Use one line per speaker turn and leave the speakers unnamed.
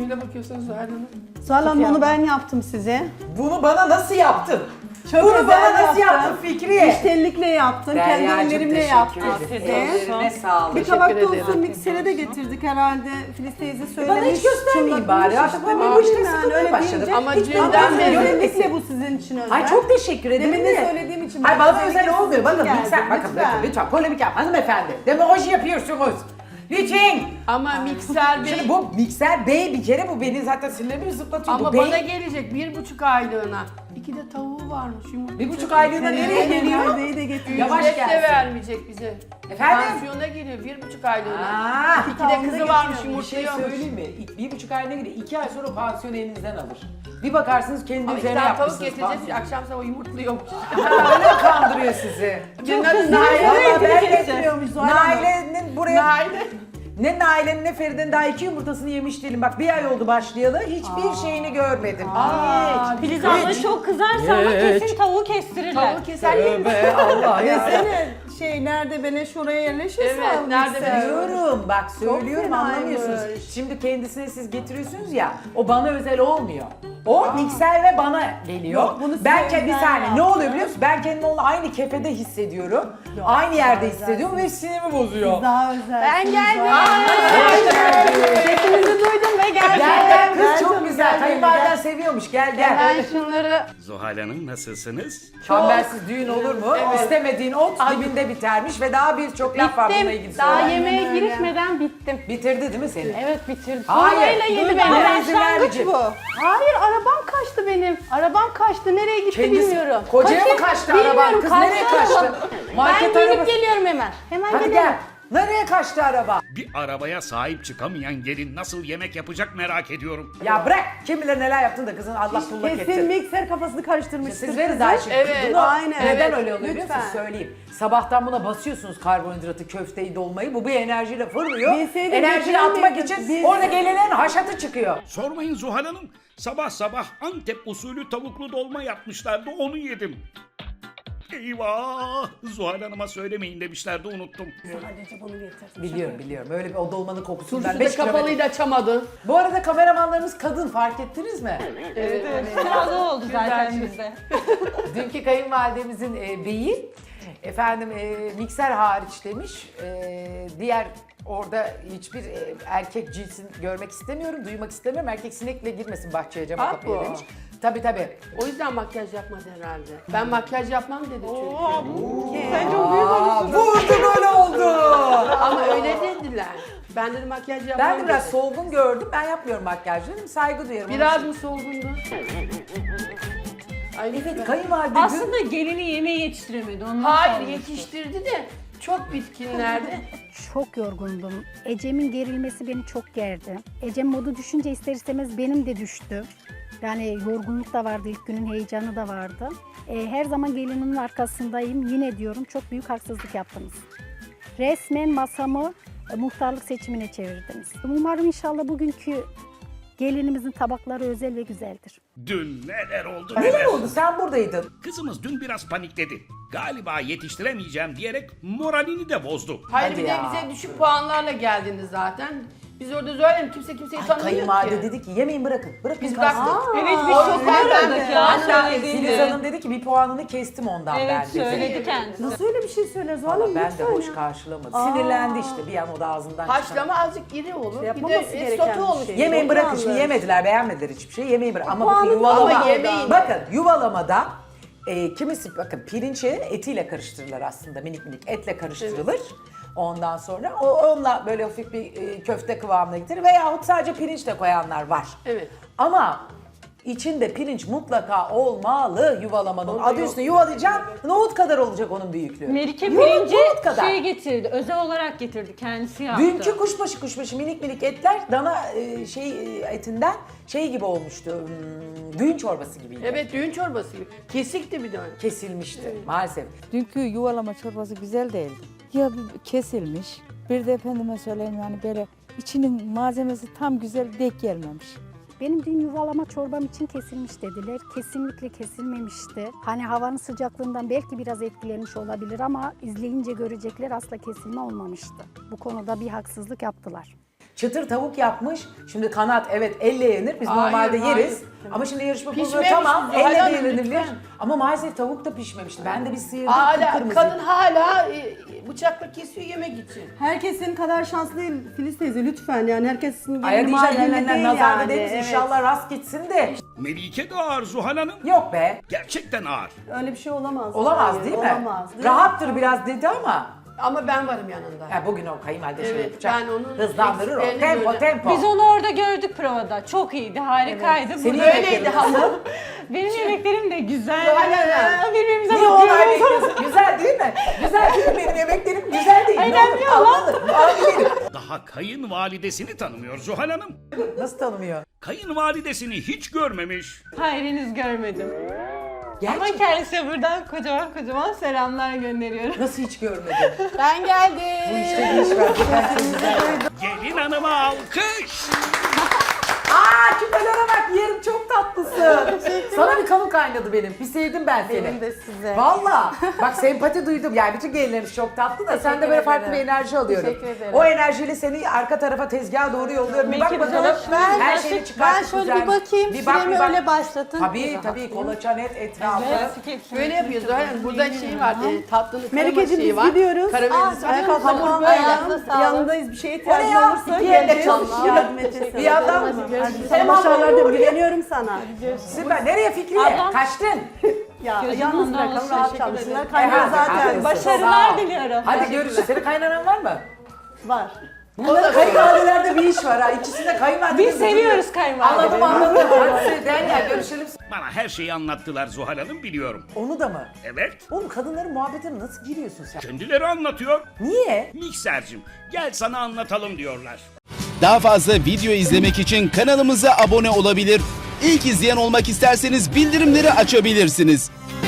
gözüyle bakıyorsunuz Zuhal Hanım.
Zuhal Hanım bunu ben yaptım size.
Bunu bana nasıl yaptın?
Çok
Bunu
özel
bana nasıl yaptın Fikriye?
Müşterilikle yaptım, kendi ellerimle yaptım size.
Ellerine sağlık.
Bir tabak
Teşekkür
da
ederim.
olsun miksere de getirdik herhalde. Filiz teyze söylemiş.
Bana hiç göstermeyin bari. Artık ben bu işte sıkılmaya başladım.
Ama
Hiç
dünden
ben
beri-
özellikle bu sizin için özel.
Ay çok teşekkür ederim.
Demin de söylediğim için.
Hayır bana özel
özellikle
olmuyor.
sizin
Bakın
için
mikser,
geldim,
bakın lütfen polemik yap hanımefendi. Demagoji yapıyorsunuz. Lütfen.
Ama mikser bey...
Şimdi bu mikser bey bir kere bu beni zaten sinirlerimi zıplatıyor.
Ama
bu bey,
bana gelecek 1,5 aylığına. 2 de tavuğu varmış yumurta.
1,5 aylığına nereye geliyor?
Perdeyi de getirdim.
Yavaş
Ücret de
gelsin.
vermeyecek bize.
Efendim?
Pansiyona geliyor 1,5 aylığına.
Aa,
2 de kızı varmış
bir şey
yumurtluyormuş.
söyleyeyim mi? 1,5 ayına göre 2 ay sonra pansiyonu elinizden alır. Bir bakarsınız kendi
Ama
üzerine
işte tavuk
yapmışsınız
getireceğiz
pansiyon.
akşam sabah yumurtluyormuş.
Öyle kandırıyor sizi.
Çok
kızdı.
Naile.
Valla ben
getiriyormuş Zuhal Hanım.
Naile'nin buraya...
Naile.
Ne Naile'nin ne Feride'nin daha 2 yumurtasını yemiş değilim. Bak 1 ay oldu başlayalı. Hiçbir şeyini görmedim. Hiç.
Filiz abla çok kızarsa ama kesin tavuğu kestirirler.
Tavuğu keser yeriz.
Tövbe Allah ya.
Desene nerede beleş oraya yerleşirse.
Evet, nerede
mikser.
Söylüyorum bak söylüyorum
fenaymış.
anlamıyorsunuz. Şimdi kendisine siz getiriyorsunuz ya o bana özel olmuyor. O mikser ve bana geliyor.
Yok, bunu size
ben bir
özel
saniye ne
yaptım.
oluyor biliyor musun? Ben kendimi onunla aynı kefede hissediyorum. Aynı yerde hissediyorum ve sinirimi bozuyor.
Daha özel.
Ben geldim.
Sesinizi duydum ve geldim.
Gel kız
Gel
çok
canım,
güzel.
gel
Kayınvaliden
canım,
seviyormuş gel gel.
Ben şunları
Zuhal Hanım nasılsınız?
Çembersiz düğün olur mu? İstemediğin ot dibinde bitermiş ve daha birçok laf var bununla ilgili
bittim. Daha
söyleyen.
yemeğe
öyle.
girişmeden bittim.
Bitirdi değil mi seni?
Evet bitirdim.
Hayır.
Sonrayla yedi
Dur,
beni.
bana izin vermeyecek.
bu.
Hayır arabam kaçtı benim. Arabam kaçtı. Nereye gitti
Kendisi-
bilmiyorum.
Kocaya mı
Kaçın-
kaçtı
bilmiyorum,
araban? Kız nereye kaçtı?
araba.
Market
ben gidip
arabası-
geliyorum hemen. Hemen
Hadi
geliyorum.
gel. Nereye kaçtı araba?
Bir arabaya sahip çıkamayan gelin nasıl yemek yapacak merak ediyorum.
Ya bırak kim bilir neler yaptın da kızın Allah bullak
Kesin
etti.
mikser kafasını karıştırmıştır.
Siz verin
kızı.
daha şimdi.
Evet,
Bunu
aynen.
neden
Evet,
öyle oluyor biliyor musunuz?
lütfen.
Söyleyeyim. Sabahtan buna basıyorsunuz karbonhidratı, köfteyi, dolmayı. Bu bir enerjiyle fırlıyor.
Bilseydim
Enerjini
getirir
atmak
miydim?
için
Biz-
orada gelenlerin haşatı çıkıyor.
Sormayın Zuhal Hanım. Sabah sabah Antep usulü tavuklu dolma yapmışlardı onu yedim. Eyvah! Zuhal Hanım'a söylemeyin demişlerdi unuttum.
Sadece bunu getir.
Biliyorum. Öyle bir o dolmanın kokusundan
Turşu
5
da kapalıydı açamadı.
Bu arada kameramanlarımız kadın fark ettiniz mi?
Biraz o oldu zaten bizde.
Dünkü kayınvalidemizin beyi efendim mikser hariç demiş. Diğer orada hiçbir erkek cinsini görmek istemiyorum, duymak istemiyorum. Erkek sinekle girmesin bahçeye cama
Aa,
kapıya
bu.
demiş. Tabii.
O yüzden makyaj yapmadı herhalde. Ben makyaj yapmam dedi çünkü.
Sen çok büyük
Vurdu böyle oldu.
Ama öyle dediler. Ben dedim makyaj yapmam
Ben de biraz
dedi.
solgun gördüm. Ben yapmıyorum makyaj dedim. Saygı duyarım.
Biraz mı solgundu? Ay
Evet
lütfen.
kayınvalide dün-
Aslında gelini yemeği yetiştiremedi. Ondan
Hayır
sonra
yetiştirdi de çok bitkinlerdi.
Çok yorgundum. Ecem'in gerilmesi beni çok gerdi. Ecem modu düşünce ister istemez benim de düştü. Yani yorgunluk da vardı, ilk günün heyecanı da vardı. Her zaman gelinimin arkasındayım. Yine diyorum çok büyük haksızlık yaptınız. Resmen masamı muhtarlık seçimine çevirdiniz. Umarım inşallah bugünkü gelinimizin tabakları özel ve güzeldir.
Dün neler oldu
Neler oldu? Sen buradaydın.
Kızımız dün biraz panikledi. Galiba yetiştiremeyeceğim diyerek moralini de bozdu.
Hayır
Hadi
bir de
ya.
bize düşük puanlarla geldiniz zaten. Biz orada söyleyelim kimse kimseyi
Ay,
tanımıyor
kayınvalide
ki.
dedi ki yemeyin bırakın. Bırakın
Biz
kalsın.
bıraktık.
Evet biz
O
çok
yüzden ben
öğrendik ya.
Hatta
Filiz Hanım dedi ki bir puanını kestim ondan ben
Evet
dedi.
söyledi kendisi.
Nasıl öyle bir şey söyler Zuhal Hanım?
Ben de
Lütfen
hoş
ya.
karşılamadım. Sinirlendi işte bir an o da ağzından çıkan.
haşlama azıcık iri olur. Bir
Yapmaması
de
gereken
sotu
bir
olur.
şey.
Yemeyin
Çok
bırakın
yanlış.
şimdi yemediler beğenmediler hiçbir şey yemeyin bırakın. Ama
puanı
bakın
da
yuvalama.
ama yemeyin.
Bakın yuvalamada kimisi bakın pirinci etiyle karıştırırlar aslında minik etle karıştırılır. Ondan sonra onunla böyle hafif bir köfte kıvamına getirir veyahut sadece pirinç de koyanlar var.
Evet.
Ama içinde pirinç mutlaka olmalı yuvalamanın.
Onda
Adı
yok.
üstüne yuvalayacaksın nohut kadar olacak onun büyüklüğü.
Melike
Nohut
pirinci
kadar.
şey getirdi. Özel olarak getirdi. Kendisi yaptı.
Dünkü kuşbaşı minik etler dana etinden şey gibi olmuştu. Düğün çorbası gibiydi.
Evet düğün çorbası gibi. Kesikti bir de.
Kesilmişti maalesef.
Dünkü yuvalama çorbası güzel değildi. Ya kesilmiş, bir de efendime söyleyeyim yani böyle içinin malzemesi tam güzel denk gelmemiş.
Benim dün yuvalama çorbam için kesilmiş dediler. Kesinlikle kesilmemişti. Hani havanın sıcaklığından belki biraz etkilenmiş olabilir ama izleyince görecekler asla kesilme olmamıştı. Bu konuda bir haksızlık yaptılar.
çıtır tavuk yapmış. Şimdi kanat evet elle yenir. Biz
Hayır,
normalde
hayır.
yeriz. Ama şimdi yarışma programı
Pişmemiş
tamam
Zuhal
elle de
Hanım,
yenilir.
lütfen.
Ama maalesef tavuk da pişmemişti. Ben de bir sıyırdım
Hala,
kıpkırmızı.
kadın hala bıçakla kesiyor yemek için.
Herkes senin kadar şanslı değil Filiz teyze lütfen yani herkesin
Aya
gelini
diyeceğim
mahallinde
elenler
değil
nazarda
yani.
değiliz.
Evet.
İnşallah rast gitsin de.
Melike de ağır Zuhal Hanım.
Yok be.
Gerçekten ağır.
Öyle bir şey olamaz.
Olamaz
Hayır,
değil mi?
Olamaz.
Rahattır biraz dedi ama.
Ama ben varım yanında.
Ya bugün o kayınvalide şey
Evet,
yapacak.
ben onun
Hızlandırır o.
eksiklerini
Tempo
gördüm.
tempo.
Biz onu orada gördük provada. Çok iyiydi, harikaydı.
Senin
Burada-
Öyleydi hamur.
Benim yemeklerim de güzel.
Aynen.
Birbirimize
Niye onay
bakıyoruz.
bekliyorsun? Güzel değil mi? Güzel değil mi? Benim yemeklerim güzel değil. Ne
Önemli
olur?
olan-
Anladım. Aferin.
Daha kayınvalidesini tanımıyor Zuhal Hanım.
Nasıl tanımıyor?
Kayınvalidesini hiç görmemiş.
Hayır henüz görmedim. Ama
Gerçekten.
kendisine buradan kocaman kocaman selamlar gönderiyorum.
Nasıl hiç görmedin?
Ben geldim.
Bu işte bir iş var. Ben çok güzel.
Gelin hanıma alkış.
Aa küpelere bak yerim çok tatlısın. Sana bir kanı kaynadı benim. Bir sevdim ben seni.
Benim de size.
Valla. Bak sempati duydum. Yani bütün gelinleriniz çok tatlı da sen de böyle farklı bir enerji alıyorum.
Teşekkür ederim.
O enerjiyle seni arka tarafa tezgaha doğru yolluyorum. Bir bak
Belki
bakalım.
ben-
Her şeyini çıkart.
ben şöyle
güzel.
bir bakayım,
Bir bak,
süremi
bir bak.
öyle başlatın.
Tabii tabii kolaçan et etrafı.
Böyle yapıyoruz. Aynen. Burada şey var. Tatlının krema
Melike'cim
şeyi
biz
var.
gidiyoruz.
Karamelize
Ayakkabılar
hamur
falan
böyle.
var. Yanındayız bir şeye
O ne
ihtiyacın
ya?
olursa
İki elle
geleceğiz.
çalışıyor.
Yardım edeceğiz.
Bir yandan
Sana başarılar diyorum. Güveniyorum sana.
Süper. Nereye Fikriye?
Ablam.
Kaçtın?
Ya
Gözün
yalnız
ondan
bırakalım
olsun,
rahat
teşekkür
çalışsınlar.
ederim.
Kaynıyor
Hadi,
zaten.
haklısın.
Başarılar
Sağ ol.
diliyorum.
Hadi görüşürüz. Senin kaynanan var mı?
Var.
Bunların kayınvalidelerde bir iş var ha. İkisi de kayınvalide.
Biz seviyoruz kayınvalideleri.
Anladım. Hadi Derya görüşelim.
Bana her şeyi anlattılar Zuhal Hanım biliyorum.
Onu da mı?
Evet.
Oğlum kadınların muhabbetine nasıl giriyorsun sen?
Kendileri anlatıyor.
Niye?
Miksercim gel sana anlatalım diyorlar.
Daha fazla video izlemek için kanalımıza abone olabilir. İlk izleyen olmak isterseniz bildirimleri açabilirsiniz.